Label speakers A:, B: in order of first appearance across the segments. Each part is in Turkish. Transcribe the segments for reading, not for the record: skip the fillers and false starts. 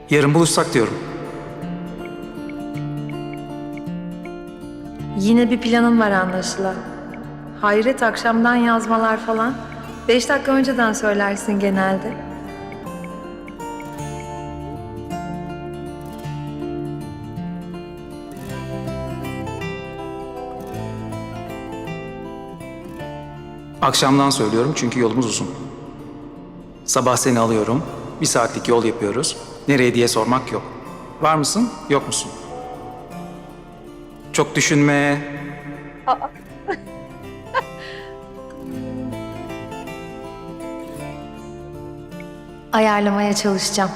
A: Yarın buluşsak diyorum.
B: Yine bir planın var anlaşılan. Hayret akşamdan yazmalar falan. 5 dakika önceden söylersin genelde.
A: Akşamdan söylüyorum çünkü yolumuz uzun. Sabah seni alıyorum. 1 saatlik yol yapıyoruz. Nereye diye sormak yok. Var mısın, yok musun? Çok düşünme.
B: Ayarlamaya çalışacağım.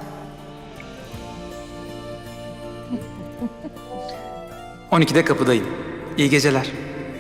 A: ...12'de kapıdayım. İyi geceler.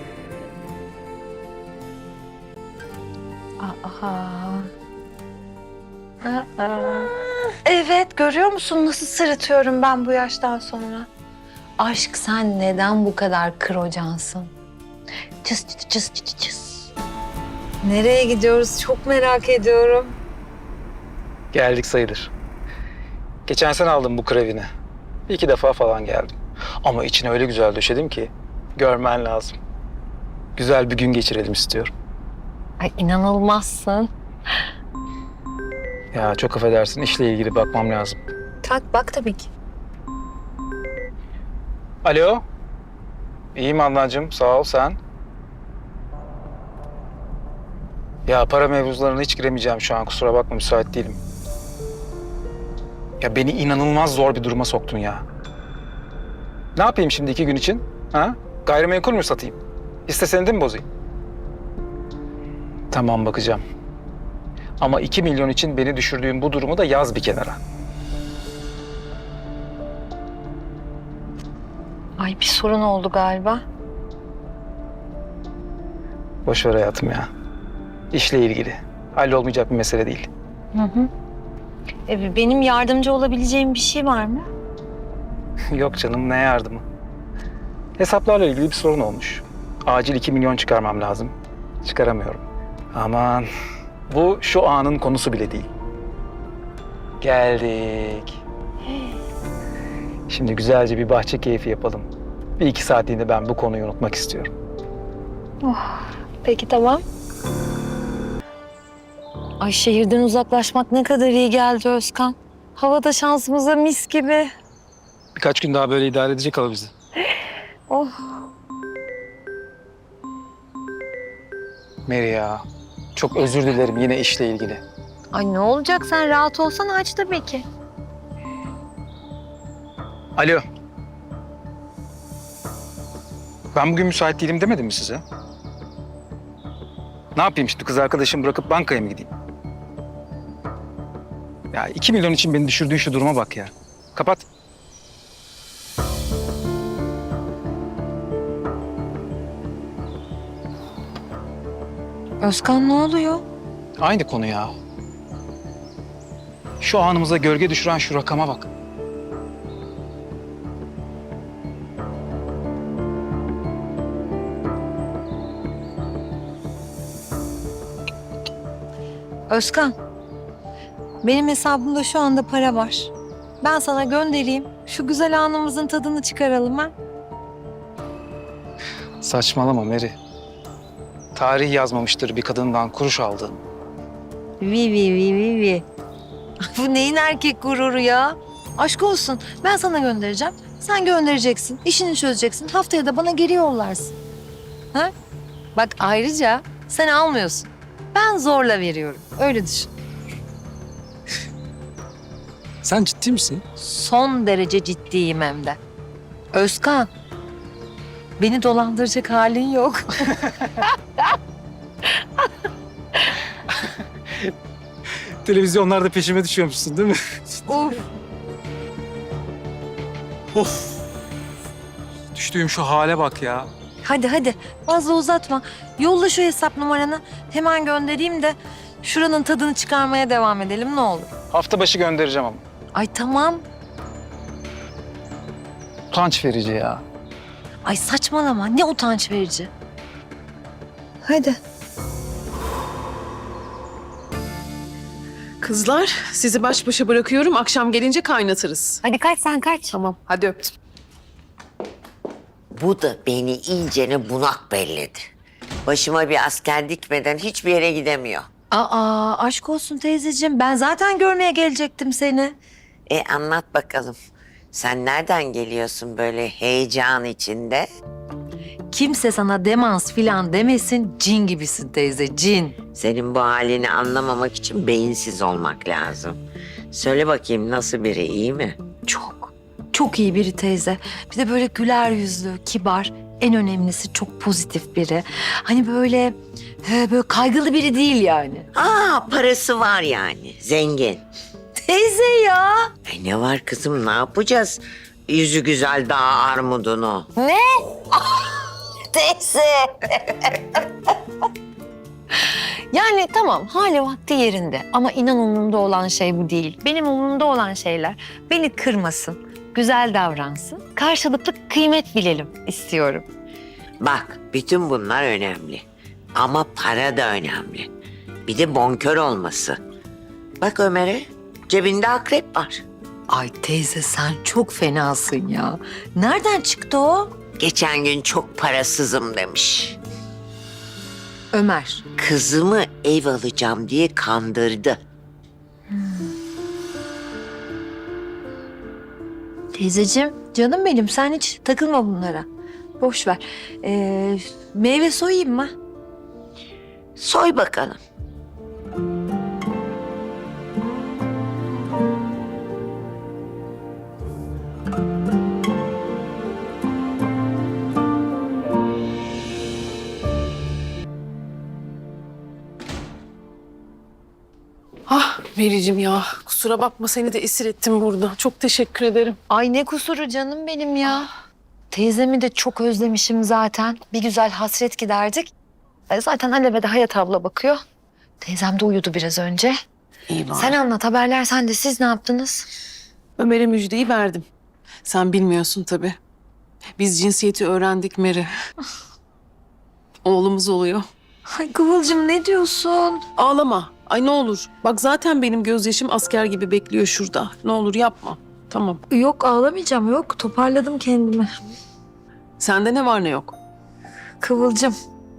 B: Evet, görüyor musun nasıl sırıtıyorum ben bu yaştan sonra? Aşk, sen neden bu kadar kırocansın? Cız cız cız cız cız. Nereye gidiyoruz çok merak ediyorum.
A: Geldik sayılır. Geçen sene aldım bu krevini. 2 defa falan geldim. Ama içine öyle güzel döşedim ki görmen lazım. Güzel bir gün geçirelim istiyorum.
B: Ay inanılmazsın.
A: Ya çok affedersin, işle ilgili bakmam lazım.
B: Tak bak tabii ki.
A: Alo. İyiyim Adnancığım, sağ ol, sen. Ya para mevzularına hiç giremeyeceğim şu an, kusura bakma, müsait değilim. Ya beni inanılmaz zor bir duruma soktun ya. Ne yapayım şimdi 2 gün için? Ha? Gayrimenkul mü satayım? Hisse senedi mi bozayım? Tamam, bakacağım. Ama 2 milyon için beni düşürdüğün bu durumu da yaz bir kenara.
B: Ay bir sorun oldu galiba.
A: Boş ver hayatım ya. İşle ilgili. Hallolmayacak bir mesele değil.
B: Benim yardımcı olabileceğim bir şey var mı?
A: Yok canım, ne yardımı? Hesaplarla ilgili bir sorun olmuş. Acil 2 milyon çıkarmam lazım. Çıkaramıyorum. Aman, bu şu anın konusu bile değil. Geldik. Şimdi güzelce bir bahçe keyfi yapalım. 1-2 saatliğinde ben bu konuyu unutmak istiyorum.
B: Peki tamam. Ay şehirden uzaklaşmak ne kadar iyi geldi Özkan. Havada şansımıza mis gibi.
A: Birkaç gün daha böyle idare edecek hala bizi.
B: Oh.
A: Mary ya, çok özür dilerim yine işle ilgili.
B: Ay ne olacak, sen rahat olsan aç tabii ki.
A: Alo. Ben bugün müsait değilim demedim mi size? Ne yapayım şimdi, kız arkadaşımı bırakıp bankaya mı gideyim? Ya 2 milyon için beni düşürdüğün şu duruma bak ya. Kapat.
B: Özkan ne oluyor?
A: Aynı konu ya. Şu anımıza gölge düşüren şu rakama bak.
B: Özkan, benim hesabımda şu anda para var. Ben sana göndereyim. Şu güzel anımızın tadını çıkaralım ha.
A: Saçmalama Mary. Tarih yazmamıştır bir kadından kuruş aldığın.
B: Vi. Bu neyin erkek gururu ya? Aşk olsun. Ben sana göndereceğim. Sen göndereceksin. İşini çözeceksin. Haftaya da bana geri yollarsın. Ha? Bak ayrıca sen almıyorsun. Ben zorla veriyorum. Öyle düşün.
A: Sen ciddi misin?
B: Son derece ciddiyim hem de. Özkan, beni dolandıracak halin yok.
A: Televizyonlarda peşime düşüyormuşsun değil mi?
B: Uf.
A: Of. Düştüğüm şu hale bak ya.
B: Hadi fazla uzatma. Yolla şu hesap numaranı. Hemen göndereyim de şuranın tadını çıkarmaya devam edelim ne olur.
A: Hafta başı göndereceğim ama.
B: Ay tamam.
A: Utanç verici ya.
B: Ay saçmalama. Ne utanç verici. Hadi.
C: Kızlar, sizi baş başa bırakıyorum. Akşam gelince kaynatırız.
B: Hadi kaç sen kaç.
C: Tamam, hadi öptüm.
D: Bu da beni iyicene bunak belledi. Başıma bir asker dikmeden hiçbir yere gidemiyor.
B: Aa aşk olsun teyzeciğim. Ben zaten görmeye gelecektim seni.
D: Anlat bakalım. Sen nereden geliyorsun böyle heyecan içinde?
B: Kimse sana demans filan demesin. Cin gibisin teyze, cin.
D: Senin bu halini anlamamak için beyinsiz olmak lazım. Söyle bakayım nasıl biri, iyi mi?
B: Çok iyi biri teyze. Bir de böyle güler yüzlü, kibar. En önemlisi çok pozitif biri. Hani böyle kaygılı biri değil yani.
D: Parası var yani, zengin.
B: Teyze ya.
D: Ne var kızım, ne yapacağız? Yüzü güzel dağ armudunu.
B: Teyze. Yani tamam hali vakti yerinde ama inan umurumda olan şey bu değil. Benim umurumda olan şeyler beni kırmasın, güzel davransın, karşılıklı kıymet bilelim istiyorum.
D: Bak, bütün bunlar önemli. Ama para da önemli. Bir de bonkör olması. Bak Ömer'e, cebinde akrep var.
B: Ay teyze sen çok fenasın ya. Nereden çıktı o?
D: Geçen gün çok parasızım demiş.
B: Ömer.
D: Kızımı ev alacağım diye kandırdı.
B: Teyzeciğim canım benim sen hiç takılma bunlara. Boş ver. Meyve soyayım mı?
D: Soy bakalım.
C: Ah Mericim ya, kusura bakma seni de esir ettim burada. Çok teşekkür ederim.
B: Ay ne kusuru canım benim ya. Teyzemi de çok özlemişim zaten. Bir güzel hasret giderdik. Zaten Alev'e de Hayat abla bakıyor. Teyzem de uyudu biraz önce.
C: İyi bari.
B: Sen anlat haberler sen de siz ne yaptınız?
C: Ömer'e müjdeyi verdim. Sen bilmiyorsun tabii. Biz cinsiyeti öğrendik Meri. Oğlumuz oluyor.
B: Ay Kıvılcım ne diyorsun?
C: Ağlama. Ay ne olur. Bak zaten benim gözyaşım asker gibi bekliyor şurada. Ne olur yapma. Tamam.
B: Yok ağlamayacağım yok toparladım kendimi.
C: Sende ne var ne yok?
B: Kıvılcım.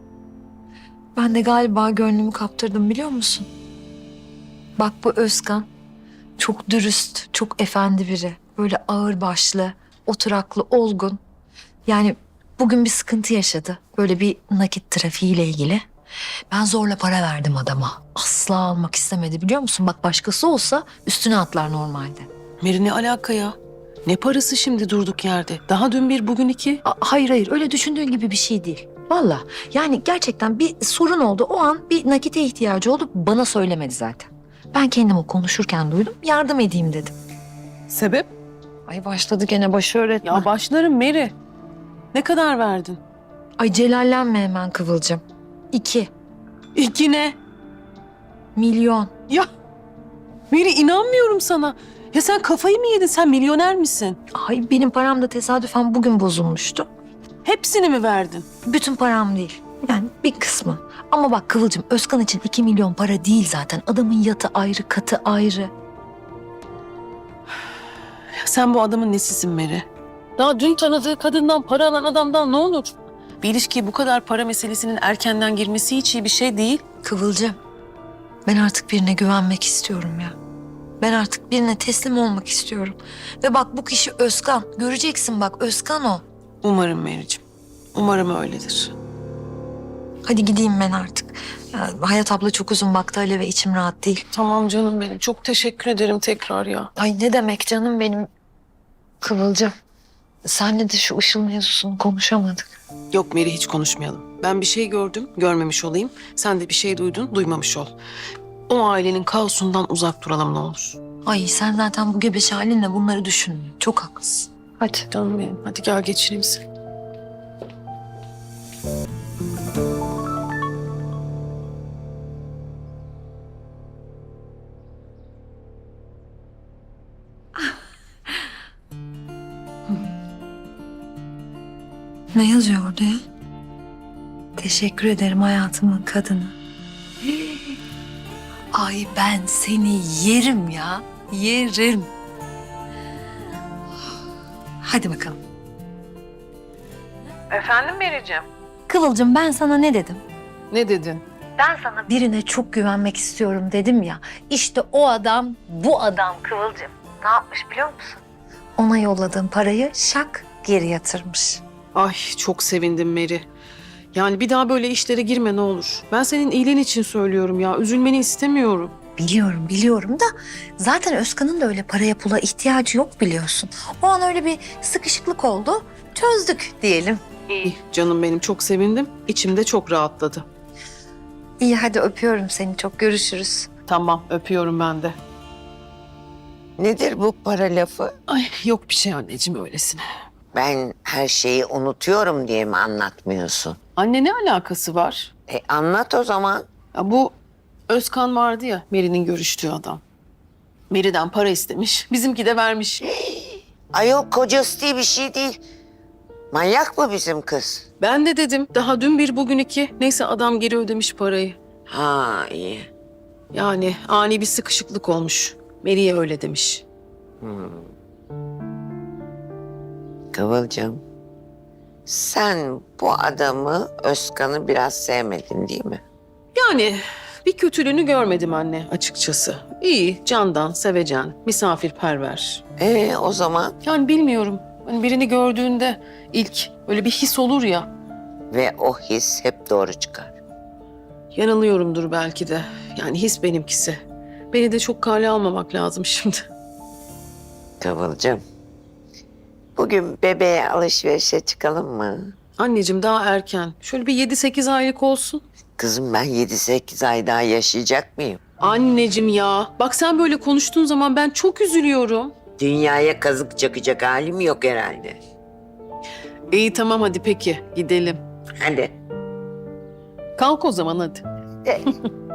B: Ben de galiba gönlümü kaptırdım biliyor musun? Bak bu Özkan çok dürüst, çok efendi biri. Böyle ağırbaşlı, oturaklı, olgun. Yani bugün bir sıkıntı yaşadı. Böyle bir nakit trafiğiyle ilgili. Ben zorla para verdim adama. Asla almak istemedi biliyor musun? Bak başkası olsa üstüne atlar normalde.
C: Meri ne alaka ya? Ne parası şimdi durduk yerde? Daha dün bir, bugün iki.
B: Hayır öyle düşündüğün gibi bir şey değil. Vallahi yani gerçekten bir sorun oldu. O an bir nakite ihtiyacı oldu. Bana söylemedi zaten. Ben kendim o konuşurken duydum. Yardım edeyim dedim.
C: Sebep?
B: Ay başladı gene başı öğretmen.
C: Ya başlarım Meri. Ne kadar verdin?
B: Ay celallenme hemen Kıvılcım. 2
C: İki ne?
B: milyon.
C: Ya Meri inanmıyorum sana. Ya sen kafayı mı yedin? Sen milyoner misin?
B: Ay benim param da tesadüfen bugün bozulmuştu.
C: Hepsini mi verdin?
B: Bütün param değil. Yani bir kısmı. Ama bak Kıvılcım Özkan için 2 milyon para değil zaten. Adamın yatı ayrı, katı ayrı.
C: Ya sen bu adamın nesisin Meri? Daha dün tanıdığı kadından para alan adamdan ne olur? Bir ilişkiye bu kadar para meselesinin erkenden girmesi hiç iyi bir şey değil.
B: Kıvılcım ben artık birine güvenmek istiyorum ya. Ben artık birine teslim olmak istiyorum. Ve bak bu kişi Özkan. Göreceksin bak Özkan o.
C: Umarım Meri'cim. Umarım öyledir.
B: Hadi gideyim ben artık. Ya, Hayat abla çok uzun baktı Alev'e içim rahat değil.
C: Tamam canım benim. Çok teşekkür ederim tekrar ya.
B: Ay ne demek canım benim. Kıvılcım. Senle de şu Işıl mevzusunu konuşamadık.
C: Yok Meri hiç konuşmayalım. Ben bir şey gördüm, görmemiş olayım. Sen de bir şey duydun, duymamış ol. O ailenin kaosundan uzak duralım ne olur.
B: Ay sen zaten bu gebeş halinle bunları düşünme. Çok haklısın. Hadi.
C: Canım benim. Hadi gel geçireyim seni.
B: Ne yazıyor orada ya? Teşekkür ederim hayatımın kadını. Ay ben seni yerim ya. Yerim. Hadi bakalım.
C: Efendim Meriç'im?
B: Kıvılcım ben sana ne dedim?
C: Ne dedin?
B: Ben sana birine çok güvenmek istiyorum dedim ya. İşte o adam bu adam Kıvılcım. Ne yapmış biliyor musun? Ona yolladığım parayı şak geri yatırmış.
C: Ay çok sevindim Meri. Yani bir daha böyle işlere girme ne olur. Ben senin iyiliğin için söylüyorum ya. Üzülmeni istemiyorum.
B: Biliyorum da zaten Özkan'ın da öyle paraya pula ihtiyacı yok biliyorsun. O an öyle bir sıkışıklık oldu. Çözdük diyelim.
C: İyi canım benim, çok sevindim. İçimde çok rahatladı.
B: İyi hadi öpüyorum seni çok görüşürüz.
C: Tamam, öpüyorum ben de.
D: Nedir bu para lafı?
C: Ay yok bir şey anneciğim öylesine.
D: Ben her şeyi unutuyorum diye mi anlatmıyorsun?
C: Anne ne alakası var?
D: Anlat o zaman.
C: Ya bu Özkan vardı ya, Meri'nin görüştüğü adam. Meri'den para istemiş, bizimki de vermiş.
D: Ayol kocası diye bir şey değil. Manyak mı bizim kız?
C: Ben de dedim, daha dün bir bugün iki. Neyse adam geri ödemiş parayı.
D: Ha iyi.
C: Yani ani bir sıkışıklık olmuş. Meri'ye öyle demiş.
D: Kıvılcım, sen bu adamı, Özkan'ı biraz sevmedin değil mi?
C: Yani bir kötülüğünü görmedim anne açıkçası. İyi, candan, sevecen, misafirperver.
D: O zaman
C: Yani bilmiyorum. Hani birini gördüğünde ilk öyle bir his olur ya.
D: ve o his hep doğru çıkar.
C: Yanılıyorumdur belki de. Yani his benimkisi. Beni de çok kale almamak lazım şimdi.
D: Kıvılcım, bugün bebeğe alışverişe çıkalım mı?
C: Anneciğim daha erken. Şöyle bir 7-8 aylık olsun.
D: Kızım ben 7-8 ay daha yaşayacak mıyım?
C: Anneciğim ya. Bak sen böyle konuştuğun zaman ben çok üzülüyorum.
D: Dünyaya kazık çakacak halim yok herhalde.
C: İyi tamam hadi peki gidelim.
D: Hadi.
C: Kalk o zaman hadi.
D: De.